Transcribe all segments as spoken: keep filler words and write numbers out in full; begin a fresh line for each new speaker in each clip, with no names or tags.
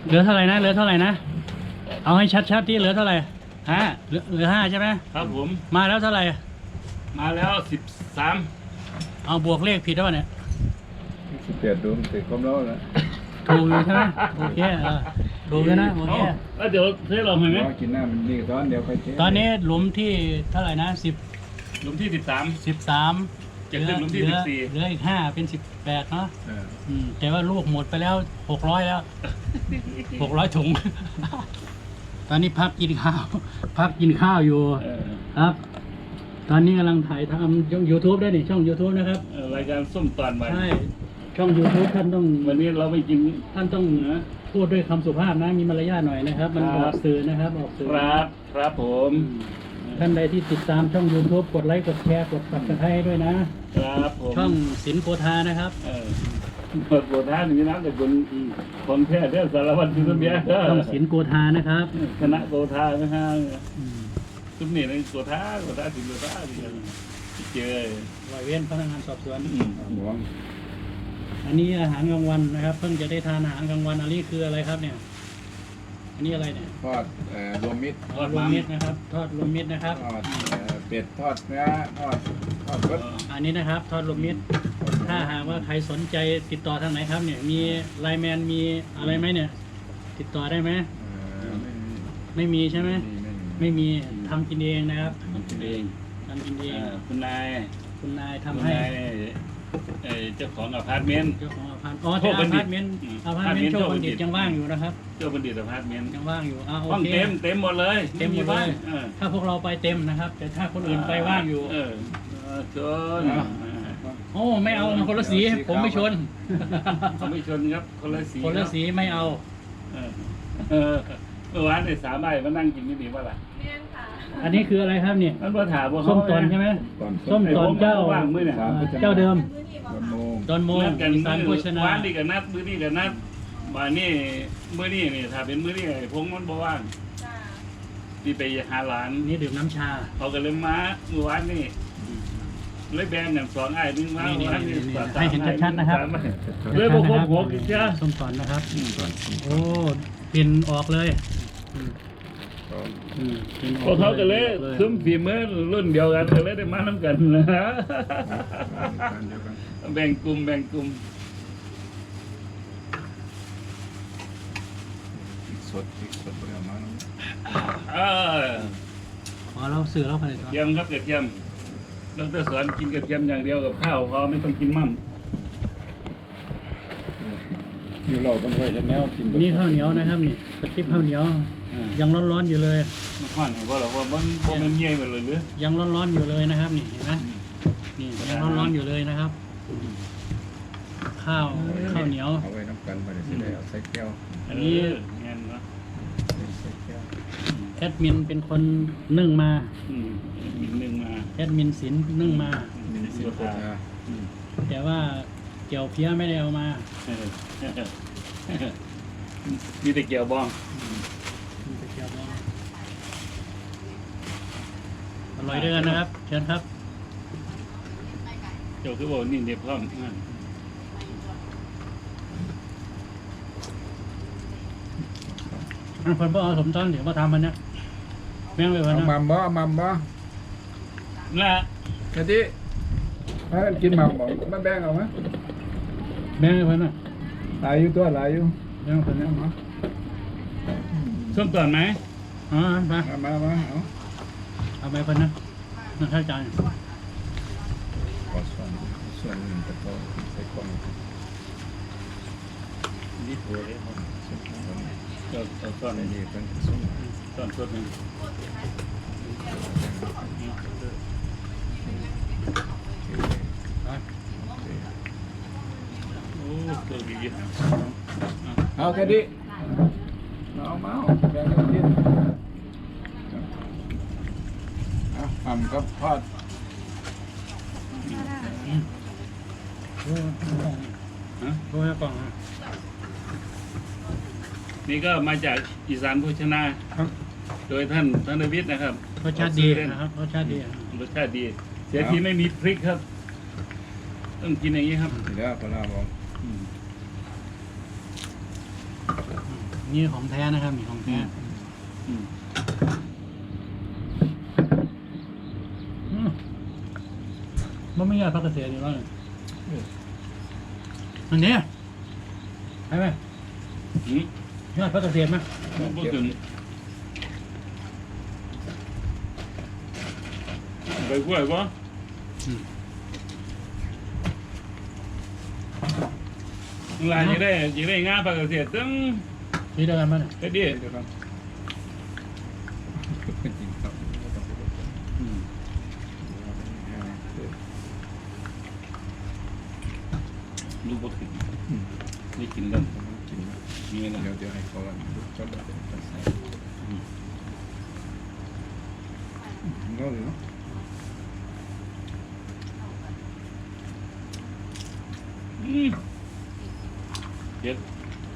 เหลือเท่าไหร่นะเหลือเท่าไหร่นะเอาให้ชัดๆที่เหลือเท่าไหร่
ห้า
เหลือเหลือห้าใช่ไหม
ครับผม
มาแล้วเท่าไหร่
มาแล้วสิบสาม
เอาบวกเลขผิดแล้วเนี่ย
สิบแปดดวงติดความร้อนแล้ว
ถูกอยู่ใช่ไหมโอเคเออถูกแล้วนะโอเค
แล้วเดี๋ยวเทลองให้ไหม
รอกินหน้ามันนี่ตอนเดี๋ยวค่อยเท
ตอนนี้หลุมที่เท่าไหร่นะสิบ
หลุมที่สิบสาม
สิบสาม
จะขึ้นหลุมที่
เหลือ
สิบสี่
เหลืออีกห้าเป็นสิบแปดเนาะ
เออ
อืมแต่ว่าลูกหมดไปแล้วหกร้อยแล้วหกร้อยถุง ตอนนี้พักกินข้าว พักกินข้าวอยู่
เออ
ครับ ตอนนี้กำลังถ่ายทำช่อง YouTube ได้นี่ช่อง YouTube นะครับ
เออรายการส้มตอนวัน
ใช่ ช่อง YouTube ท่านต้อง
วันนี้เราไม่กิน
ท่านต้องพูดด้วยคำสุภาพนะ มีมารยาทหน่อยนะครับ มัน
ค
อ
รั
อบ กสื่อนะครับ ออกสื่อ
ครับครับผม
อืมท่านใดที่ติดตามช่อง YouTube กดไลค์ กดแชร์ กด Subscribe ด้วยนะ
ครับผม
ช่องศิลป์โพธานะครับ
เออเปิดโบท่าหนึ่งน้ำแต่คนคนแท้เรื่องสารวัตรคือต้นเบี้ย
ช่องศิลป์โกธานะครับ
คณะโบท่านะฮะ
อืม
ทุกนี่ในโบท่าโบท่าถึงโบท่าที่เจอ
ร้อยเว้นพนักงานสอบสวน
อืม
หวง
อันนี้อาหารกลางวันนะครับ เพิ่งจะได้ทานอาหารกลางวันอันนี้คืออะไรครับเนี่ย อันนี้อะไรเนี่ย
ทอดเอ่อรวมมิตร
ทอด
รว
มั
ม
น
มิตรนะครับ ทอดรวมมิตรนะครับ
ทอดเอ่อเป็ดทอดเนื้อทอดทอดรส
อันนี้นะครับ ทอดรวมมิตร ถ้าหากว่าใครสนใจติดต่อทางไหนครับเนี่ย มีไลน์แมนมีอะไรไหมเนี่ย ติดต่อได้ไหม
เอ่อไม่มี
ไม่มีใช่ไหม
ไม่มี
ไม่มีทำกินเองนะครับ
ทำกินเอง
ทำกินเอง
อ่าคุณนาย
คุณนาย
คุณ
ทำให้
นายเนี่ยเอ่อเจ้าของอพาร์ตเมนต์
เจ้าของอพาร์ตอ๋อแต่อพาร์ตเมนต์
อืม
อพาร์ตเมนต์โชคบัณฑิต
โชคบัณฑิต
ยังว่างอยู่นะครับ
เจ้าบัณฑิตอพาร์ตเมนต์
ยังว่างอยู่อ่าโอ
ห้อง
เค
เต็มเต็มหมดเลย
เต็มหมดเลย
บ้านเออ
ถ้าพวกเราไปเต็มนะครับ แต่ถ้าคนอื่นไปว่างอยู่
เออเออชน
โอ้ไม่เอามันคนละสี ผมไม่ชน
เขาไม่ชนครับคนละสี
คนละสีไม่เอา
เออเออเมื่อวานเนี่ยสามใบมานั่งกินนี่ดีว่าล่ะ
อันนี้คืออะไรครับเนี่ย
มันมาถามว่า
ส้มตอนใช่ไหม
ตอน
ส้มตอนเจ้า
ว่างมือเนี่ย
สามพุทธ
เจ้าเดิม
วันโมง
ดอนโม
นัดกัน
อีสานโภชนา
วานนี่กับนัดมื้อนี่กับนัดมานี่มื้อนี่นี่ถ้าเป็นมื้อนี่ไอ้พงมันบ่ว่างที่ไปหาหลาน
นี่ดื่มน้ำชา
เขาก็เลยมาเมื่อวานนี่เลยแบนอย่างสองไอ้นึงมา
นี่
วัน
นี่
นี้
นี่
สาม
ให้เห็นชัดๆนะครับ
สามไอ้เลยบ่ครบหกอีกจ้า
ส้มตอนนะครับ
ก่อน
โอ้กลิ่นออกเลยอืม
ก่อน
อืมกลิ่นอ
พว
อก
เขาก็เลย
ออ
ซุ้มฝีมือรุ่นเดียวกันก็เลยได้มาน้ำกันนะ
เดียวกัน
แบ่งกลุ่มแบ่งกลุ่ม
พริกสดพริกสดบริเอามาเนาะ
เออ
ขอเราสื่อเราผลิต
เทียมครับกระเทียมดรสอนกินกระเทียมอย่างเดียวกับข้าวเขาไม่ต้องกินมั่ม
อยู่เราต้องไว้จะแนวกิน
นี่ข้าวเหนียวนะครับนี่กระติบข้าวเหนียว ยังร้อนๆอยู่เลย
มันข้อนเพราะเราว่ามันบ่มันเงี้ยไปเลยหรือ
ยังร้อนๆอยู่เลยนะครับ นี่เห็นไหมนี่ยังร้อนๆอยู่เลยนะครับ ข้าวข้าวเหนียว
เอาไว้น้ำกันไปเดี๋ยวสิได้เอาใส่แก้ว
อันนี้
เงี้ยเนาะ
ใส่แก้ว
แอดมินเป็นคนนึ่งมา
อืมอีกหนึ่งมา
แอดมินศิลป์นึ่งมา
มีสิบกว่า
อืม
แต่ว่าเกี่ยวเพี้ยไม่ได้เอามา
เออมีแต่เกี่ยวบ้อง
มีแต่เกี่ยวบ้างอร่อยด้วยกันนะครับ เชิญครับ
เจ้าคือบอกนี่เด็บพร้อมอ่า
อันคนบ่เอาสมต้นเดี๋ยวมาทำมันนะแม่งไปวัน
เอา
นะ
มัมบ่เอามัมบ่
น่ะ
กะทิถ้ากินมัมบ่มาแบ่งเอาไหม
แม่งไปวันนะ
หลายอยู่ตัวหลายอยู่
แม่งไปวันนะ
เอา
ส้มต่อนไหม
อ๋อมา
มามามาเอา
เอาไปวันนะนั่นข้าวจาน
ขอส่วนส่วนหนึ่งตะโกนใส่กล่อง
นี่ถั่วเลยครับเจ้าเจ้าต้อน
ใส่
นี่
นี่เป็นส่วน
ต้อนสดหนึ่งโอ้ตัวดีอ่ะ
เอาแค่นี้เอามาเอาแบ่งกันกินเอาทำกับทอด
ฮะ
ดูให้กล่องนะ
นี่ก็มาจากอีสานโภชนา
ครับ
โดยท่านท่านวิทย์นะครับ
รสชาติดีนะครับรสชาติดี
รสชาติดี เสียทีไม่มีพริกครับ ต้องกินอย่างนี้ครับ
เดี๋ยวพอลาบอก
อืม
นนี่ของแท้นะครับนี่ของแท้
อืม
อืมมันไม่ยากพักเกษตรอยู่แล้วอันนี้ใช่ไหม
อืม
ยอดพักเกษตรไหม
พูดถึงไปกล้วยปะ
อืม
ลายยังได้ยังได้งานปกติตึ้ง
นี่เดียวกันมั้ย
ก็ดี
เดี๋ยวครับจริงครับ
อืมลูกบดขึ้นนี่กินแล้ว
กินนะ
มีนะ
เดี๋ยวเดี๋ยวให้เขาอันชอบแบบเป็นใส่ก็เลยเนาะ
อืมเจ็ด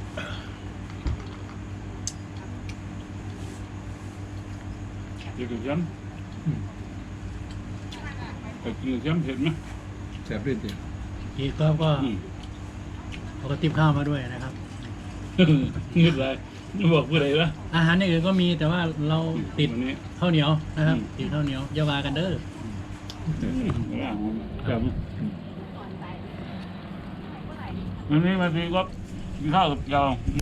เจ็ดกับย้ำแต่กินกับย้ำเผ็ดไหม
แซ่บด้วยจริง
อีกก็ก็
อืม
เอากระติบข้าวมาด้วยนะครับ
เงินอะไรบอกผู้ใดวะ
อาหารอย่างอื่นก็มีแต่ว่าเราติด
วันนี้
ข้าวเหนียวนะครับ
อืม
ติดข้าวเหนียวอย่าวากันเด้อ
ครับวันนี้มาดีก็กินข้าวกับยาว